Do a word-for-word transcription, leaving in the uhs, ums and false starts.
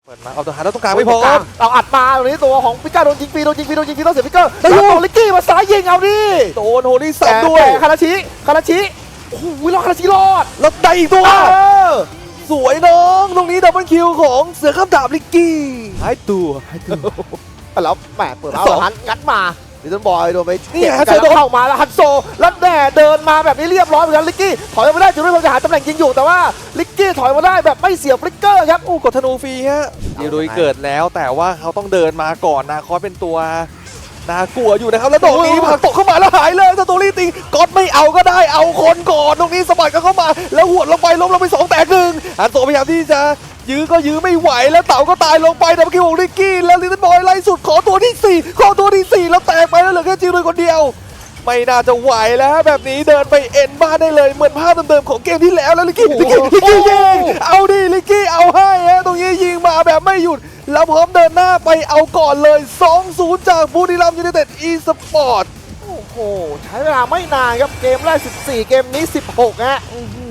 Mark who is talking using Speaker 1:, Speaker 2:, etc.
Speaker 1: ปิดมาเอาตัวหาแล้วตรงกลางไม่พอ
Speaker 2: เราอัดมาตรงนี้ตัวของพิก้าโดนยิงฟรีโดนยิงฟรีโดนยิงฟรีต้องเสียพิก้าแล้วโดนลิกกี้มาซ้ายยิงเอาดิ
Speaker 1: โดนโฮลี่สับด้วย
Speaker 2: คาราชิคาราชิโอ้โหรอดคาราชิรอด
Speaker 1: แล้วได้อีกตัว
Speaker 2: เออ
Speaker 1: สวยน้องตรงนี้ดับเบิลคิวของเสือข้ามดาบลิกกี้หายตัว
Speaker 2: แล้วแหมเปิดมา
Speaker 1: สอง
Speaker 2: หันงัดมาดิจิตอลบอยโดนไป
Speaker 1: นี่
Speaker 2: เก็บ
Speaker 1: ฮัน
Speaker 2: กัน
Speaker 1: โซโดน
Speaker 2: เข้ามาแล้วฮันโซแล้วแน่เดินมาแบบนี้เรียบร้อยเหมือนกันลิกกี้ถอยไม่ได้จุดที่ผมจะหาตำแหน่งยิงอยู่แต่ว่าลิกกี้ถอยมาได้แบบไม่เสียฟลิกเกอร์ครับ
Speaker 1: อู้กดธนูฟรีฮะยิรุยเกิดแล้วแต่ว่าเขาต้องเดินมาก่อนนาคอสเป็นตัวน่ากลัวอยู่นะครับแล้วดอกนี้ผลักตกเข้ามาแล้วหายเลยสตูรี่ตีก๊อตไม่เอาก็ได้เอาคนก่อนตรงนี้สะบัดกันเข้ามาแล้วหวดลงไปล้มลงไปสองแตกหนึ่งฮันโซพยายามที่จะยื้อก็ยื้อไม่ไหวแล้วเต่าก็ตายลงไปดับเบิลคิวของลิกกี้แล้วลิตเติ้ลบอยไล่สุดขอตัวที่สี่ขอตัวที่สี่แล้วแตกไปแล้วเหลือแค่จิรุยคนเดียวไม่น่าจะไหวแล้วแบบนี้เดินไปเอ็นบ้านได้เลยเหมือนภาพเดิมๆของเกมที่แล้วแล้วลิกกี้ลิกกี้ลิกกี้ยิงเอาดิลิกกี้เอาให้ฮะตรงนี้ยิงมาแบบไม่หยุดแล้วพร้อมเดินหน้าไปเอาก่อนเลย สองศูนย์ จากบุรีรัมย์ยูไนเต็ดอีสปอร์ต
Speaker 2: โอ้โหใช้เวลาไม่นานครับเกมแรกสิบสี่เกมนี้สิบหกฮะ
Speaker 1: อื้อหือ